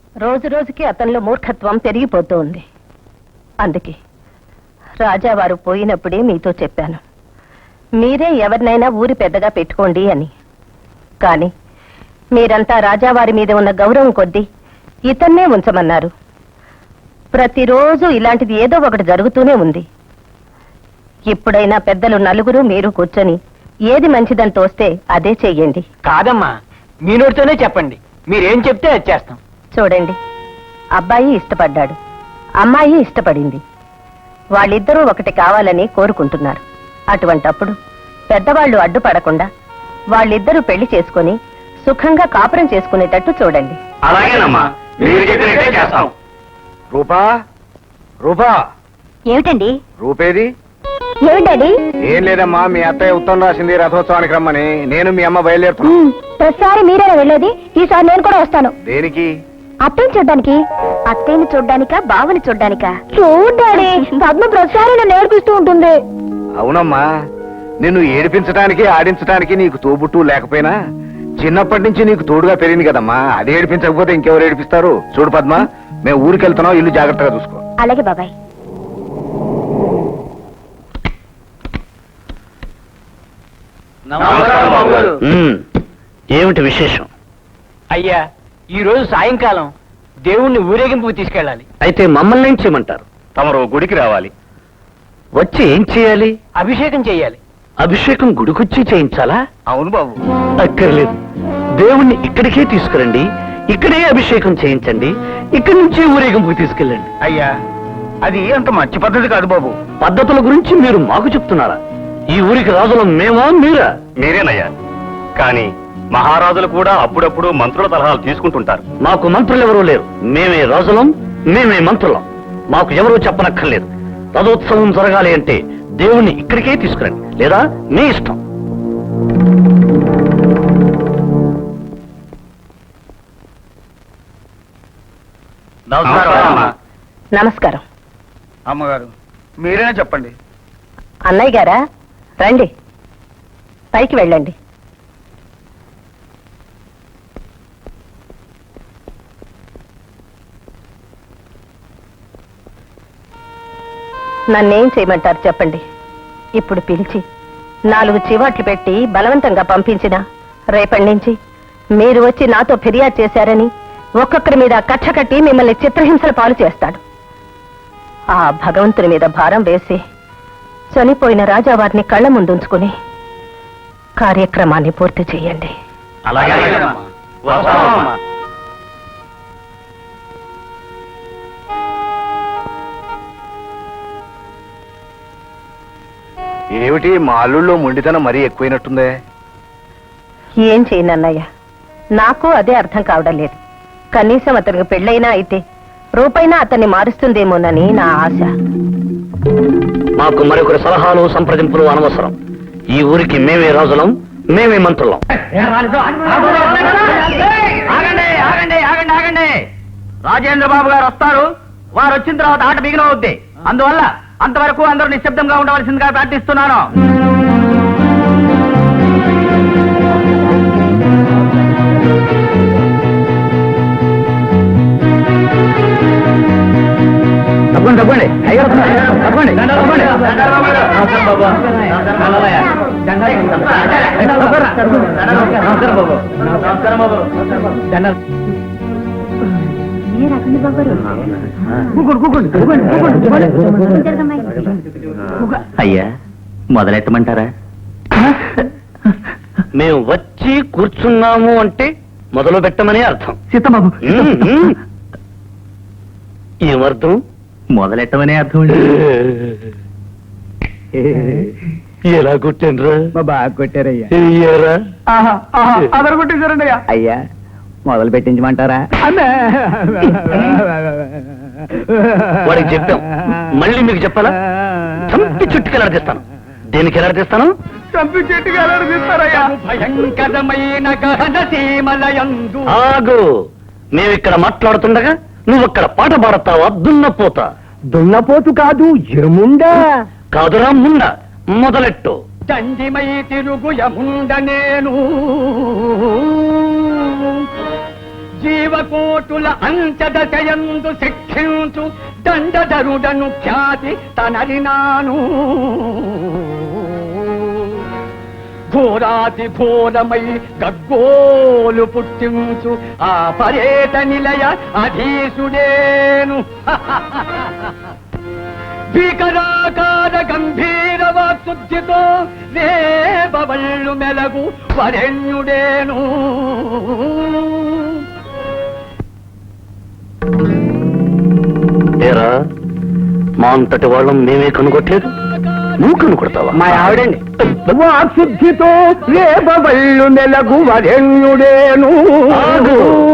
రోజు రోజుకి అతనిలో మూర్ఖత్వం పెరిగిపోతూ ఉంది. అందుకే రాజావారు పోయినప్పుడే మీతో చెప్పాను, మీరే ఎవరినైనా ఊరి పెద్దగా పెట్టుకోండి అని. కానీ మీరంతా రాజావారి మీద ఉన్న గౌరవం కొద్దీ ఇతన్నే ఉంచమన్నారు. ప్రతిరోజు ఇలాంటిది ఏదో ఒకటి జరుగుతూనే ఉంది. ఇప్పుడైనా పెద్దలు నలుగురు మీరు కూర్చొని ఏది మంచిదని తోస్తే అదే చెయ్యండి. కాదమ్మా, మీ నోటితోనే చెప్పండి, మీరేం చెప్తే అది చేస్తాం. చూడండి, అబ్బాయి ఇష్టపడ్డాడు, అమ్మాయి ఇష్టపడింది. వాళ్ళిద్దరూ ఒకటి కావాలని కోరుకుంటున్నారు. అటువంటప్పుడు పెద్దవాళ్లు అడ్డుపడకుండా వాళ్ళిద్దరూ పెళ్లి చేసుకుని సుఖంగా కాపురం చేసుకునేటట్టు చూడండి. అలాగేనమ్మా, మీరు చెప్పినట్టే చేస్తాం. రూపా, రూపా. ఏమిటండి? రూపేది? ఏమిటండి? ఏం లేదమ్మా, మీ అత్తయ్య ఉత్తరం రాసింది రథోత్సవానికి రమ్మని. నేను మీ అమ్మ బయలుదేరుతున్నా. ప్రతిసారి మీరేనా వెళ్ళేది? ఈసారి నేను కూడా వస్తాను. దేనికి? అత్తయ్యని చూడ్డానికి. అత్తయ్యని చూడ్డానికా, బావని చూడ్డానికా? చూడ్డాని. పద్మ ప్రతిసారి నన్ను నేర్పిస్తూ ఉంటుంది. అవునమ్మా, నిన్ను ఏడిపించడానికి ఆడించడానికి నీకు తోబుట్టు లేకపోయినా చిన్నప్పటి నుంచి నీకు తోడుగా పెరిగింది కదమ్మా. అది ఏడిపించకపోతే ఇంకెవరు ఏడిపిస్తారు? చూడు పద్మ, మేము ఊరికి వెళ్తున్నాం, ఇల్లు జాగ్రత్తగా చూసుకో. అలాగే బాబాయ్. ఏమిటి విశేషం? అయ్యా, ఈ రోజు సాయంకాలం దేవుణ్ణి ఊరేగింపుకు తీసుకెళ్ళాలి. అయితే మమ్మల్ని ఏం చేయమంటారు? తమరు గుడికి రావాలి. వచ్చి ఏం చేయాలి? అభిషేకం చెయ్యాలి. అభిషేకం గుడికొచ్చి చేయించాలా? అవును బాబు. అక్కర్లేదు, దేవుణ్ణి ఇక్కడికే తీసుకురండి, ఇక్కడే అభిషేకం చేయించండి, ఇక్కడి నుంచి ఊరేగింపుకి తీసుకెళ్ళండి. అయ్యా, అది అంత మంచి పద్ధతి కాదు బాబు. పద్ధతుల గురించి మీరు మాకు చెప్తున్నారా? ఈ ఊరికి రాజులం మేమా, మీరా? మీరేనయ్యా, కానీ మహారాజులు కూడా అప్పుడప్పుడు మంత్రుల సలహాలు తీసుకుంటుంటారు. మాకు మంత్రులు ఎవరూ లేరు. మేమే రాజులం, మేమే మంత్రులం. మాకు ఎవరూ చెప్పనక్కర్లేదు. రథోత్సవం జరగాలి అంటే దేవుణ్ణి ఇక్కడికే తీసుకురండి, లేదా మీ ఇష్టం. నమస్కారం. అమ్మగారు, మీరేనా చెప్పండి. అన్నయ్య గారా, రండి, పైకి వెళ్ళండి. నన్నేం చేయమంటారు చెప్పండి. ఇప్పుడు పిలిచి 4 చివాట్లు పెట్టి బలవంతంగా పంపించిన రేపటి నుంచి మీరు వచ్చి నాతో ఫిర్యాదు చేశారని ఒక్కొక్కరి మీద కక్ష కట్టి మిమ్మల్ని చిత్రహింసల పాలు చేస్తాడు. ఆ భగవంతుని మీద భారం వేసి చనిపోయిన రాజావారిని కళ్ళ ముందుంచుకుని కార్యక్రమాన్ని పూర్తి చేయండి. ఏమిటి మా అల్లుళ్ళో మొండితనం మరీ ఎక్కువైనట్టుందే. ఏం చేయనన్నయ్య, నాకు అదే అర్థం కావడం లేదు. కనీసం అతనికి పెళ్ళైనా అయితే రూపైనా అతన్ని మారుస్తుందేమోనని నా ఆశ. మాకు మరొకరి సలహాలు సంప్రదింపులు అనవసరం. ఈ ఊరికి మేమే రాజులం, మేమే మంత్రులం. రాజేంద్ర బాబు గారు వస్తారు. వారు వచ్చిన తర్వాత ఆట బిగినవుద్ది. అందువల్ల అంతవరకు అందరూ నిశ్శబ్దంగా ఉండవలసిందిగా ప్రార్థిస్తున్నాను. తప్పండి అయ్యా, మొదలెట్టమంటారా? మేము వచ్చి కూర్చున్నాము అంటే మొదలు పెట్టమని అర్థం. సీతబాబు, ఏమర్థం? మొదలెట్టమనే అర్థం. ఎలా కొట్టానురా? బాగా కొట్టారయ్యా. అదరు కొట్టేశారండి అయ్యా, మొదలు పెట్టించమంటారా? వాడికి చెప్పాం, మళ్ళీ మీకు చెప్పాలా? చంపి చుట్టుకి ఎలాడదీస్తాను. దేనికి ఎలాడదీస్తాను? చంపి చెట్టుకి ఎలాడదీస్తారయ్యా. భయంకరమైన గహన సీమలయందు. ఆగు, మేమిక్కడ మాట్లాడుతుండగా నువ్వక్కడ పాట పాడతావా? దున్నపోతా. దున్నపోతు కాదు, ఎముండా. కాదురా ముండ, మొదలెట్టు. దండిమై తిరుగు యముండ నేను, జీవకోటుల అంచదశయందు శిక్షించు దండధరుడను ఖ్యాతి తనరినాను ఘోరాతి ఘోరమై గగ్గోలు పుట్టించు ఆ పర్యట నిలయ అధీసుడేను భీకరాకార గంభీర వాక్శుద్ధితో రేపవళ్ళు మెలగు వరెణ్యుడేను ఏరా మా అంతటి వాళ్ళం మేమే కనుగొట్టలేదు నువ్వు కనుగొడతావా మా ఆవిడండి వాక్శుద్ధితో రేపవళ్ళు మెలగు వరెణ్యుడేను ఆగు.